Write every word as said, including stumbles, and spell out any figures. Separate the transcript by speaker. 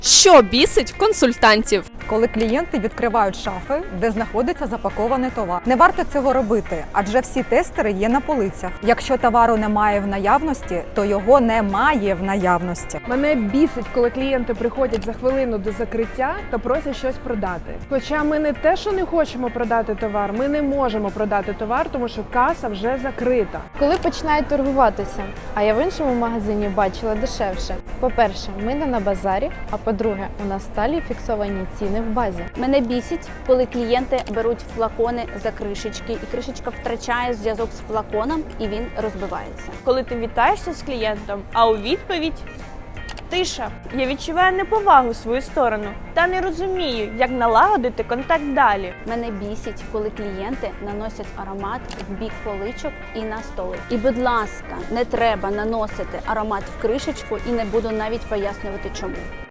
Speaker 1: Що бісить консультантів?
Speaker 2: Коли клієнти відкривають шафи, де знаходиться запакований товар. Не варто цього робити, адже всі тестери є на полицях. Якщо товару немає в наявності, то його немає в наявності.
Speaker 3: Мене бісить, коли клієнти приходять за хвилину до закриття та просять щось продати. Хоча ми не те, що не хочемо продати товар, ми не можемо продати товар, тому що каса вже закрита.
Speaker 4: Коли починають торгуватися, а я в іншому магазині бачила дешевше. По-перше, ми не на базарі, а по-друге, у нас сталі фіксовані ціни в базі.
Speaker 5: Мене бісить, коли клієнти беруть флакони за кришечки, і кришечка втрачає зв'язок з флаконом, і він розбивається.
Speaker 6: Коли ти вітаєшся з клієнтом, а у відповідь тиша. Я відчуваю неповагу в свою сторону та не розумію, як налагодити контакт далі.
Speaker 5: Мене бісить, коли клієнти наносять аромат в бік поличок і на столи. І, будь ласка, не треба наносити аромат в кришечку, і не буду навіть пояснювати чому.